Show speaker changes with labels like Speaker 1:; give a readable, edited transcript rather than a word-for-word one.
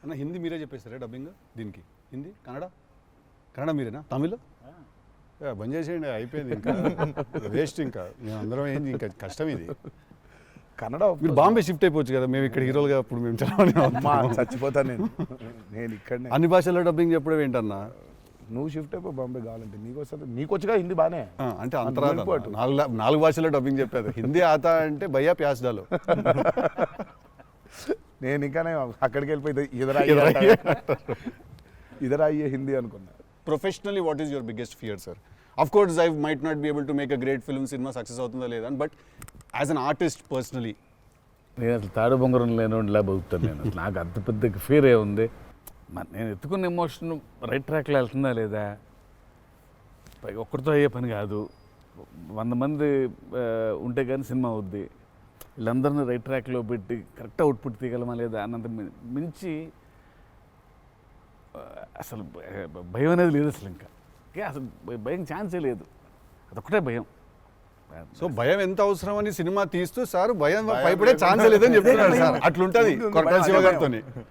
Speaker 1: అన్న హిందీ మీరే చెప్పేస్తారా డబ్బింగ్ దీనికి? హిందీ, కన్నడ? కన్నడ మీరేనా? తమిళ్ బంద్ చేసేయండి, అయిపోయింది ఇంకా వేస్ట్. ఇంకా మేము అందరం ఏంది, ఇంకా కష్టం ఇది.
Speaker 2: కన్నడ
Speaker 1: మీరు బాంబే షిఫ్ట్ అయిపోవచ్చు కదా, మేము ఇక్కడ హీరోలుగా అప్పుడు మేము
Speaker 2: చచ్చిపోతాను నేను ఇక్కడనే.
Speaker 1: అన్ని భాషల్లో డబ్బింగ్ చెప్పడం ఏంటన్నా?
Speaker 2: నువ్వు షిఫ్ట్ అయిపో బాంబే కావాలంటే, నీకొచ్చుగా హిందీ బానే.
Speaker 1: అంటే అంతరాధ 4 భాషల్లో డబ్బింగ్ చెప్పారు. హిందీ ఆతా అంటే భయ్యా ప్యాస్ డాలో.
Speaker 2: నేను ఇంకానే అక్కడికి వెళ్ళిపోయి ఇదరా అయ్యే హిందీ అనుకున్నా.
Speaker 1: Professionally, what is your biggest fear, sir? Of course, I might not be able to make a great film, cinema success అవుతుందా లేదా, but as an artist personally
Speaker 3: నేను అసలు తాడు బొంగరం లేనిలా బతుకుతాను. నేను అసలు నాకు అంత పెద్ద ఫీర్ ఏ ఉంది. నేను ఎత్తుకున్న ఎమోషన్ రైట్ ట్రాక్లో వెళ్తుందా లేదా, పైగా ఒక్కరితో అయ్యే పని కాదు. 100 మంది ఉంటే కానీ సినిమా అవుద్ది. వీళ్ళందరినీ రైట్ ట్రాక్లో పెట్టి కరెక్ట్ అవుట్పుట్ తీయగలమా లేదా అన్నంత మించి అసలు భయం అనేది లేదు అసలు. ఇంకా అసలు భయం ఛాన్సే లేదు, అదొక్కటే భయం.
Speaker 1: సో భయం ఎంత అవసరం అని సినిమా తీస్తూ సార్ భయం భయపడే ఛాన్స్ లేదని చెప్తున్నారు సార్. అట్లుంటది కొరటాల శివ గారితో.